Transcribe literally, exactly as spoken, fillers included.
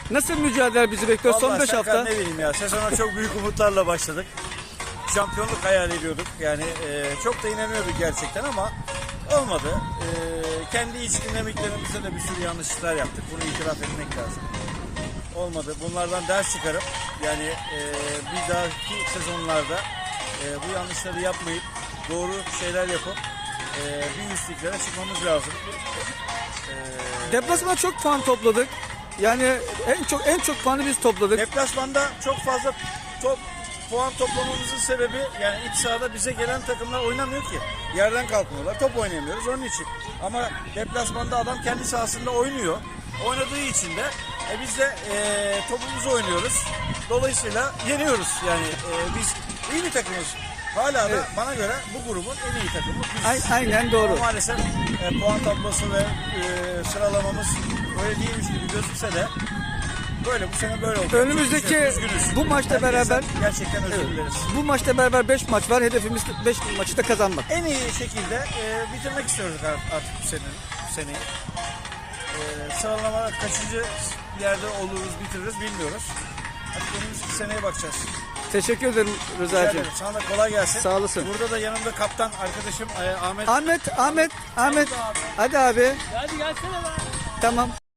Nasıl mücadele bizi bekliyor son Vallahi beş Serkan, hafta? ne bileyim ya, sezona çok büyük umutlarla başladık. Şampiyonluk hayal ediyorduk. Yani e, çok da inanıyorduk gerçekten ama olmadı. E, kendi iç dinamiklerimizde de bir sürü yanlışlıklar yaptık. Bunu itiraf etmek lazım. Olmadı. Bunlardan ders çıkarıp yani e, bir dahaki sezonlarda e, bu yanlışları yapmayıp doğru şeyler yapıp e, bir üstlüklere çıkmamız lazım. E, Deplasmanda çok puan topladık. Yani en çok en çok puanı biz topladık. Deplasmanda çok fazla top puan toplamamızın sebebi yani iç sahada bize gelen takımlar oynamıyor ki. Yerden kalkmıyorlar. Top oynayamıyoruz onun için. Ama deplasmanda adam kendi sahasında oynuyor. Oynadığı için de e, biz de e, topumuzu oynuyoruz. Dolayısıyla yeniyoruz. Yani e, biz iyi bir takımız. Hala da Evet. bana göre bu grubun en iyi takımı biziz. A- Aynen doğru. Ama maalesef e, puan tablosu ve e, sıralamamız öyle değilmiş gibi gözükse de böyle bu sene böyle oldu. Önümüzdeki Üzgünüz. bu maçta Herkesten beraber gerçekten özür Evet. dileriz. Bu maçta beraber beş maç var. Hedefimiz beş maçı da kazanmak. En iyi şekilde e, bitirmek istiyoruz artık bu seneyi. Bu seneyi. E, sıralama kaçıncı yerde oluruz, bitiririz bilmiyoruz. Artık önümüzdeki seneye bakacağız. Teşekkür ederim Rica Rıza'cığım. ederim. Sana da kolay gelsin. Sağ olasın. Burada da yanımda kaptan arkadaşım e, Ahmet. Ahmet, Ahmet, Ahmet. Abi. Hadi abi. Hadi gelsene lan. Tamam.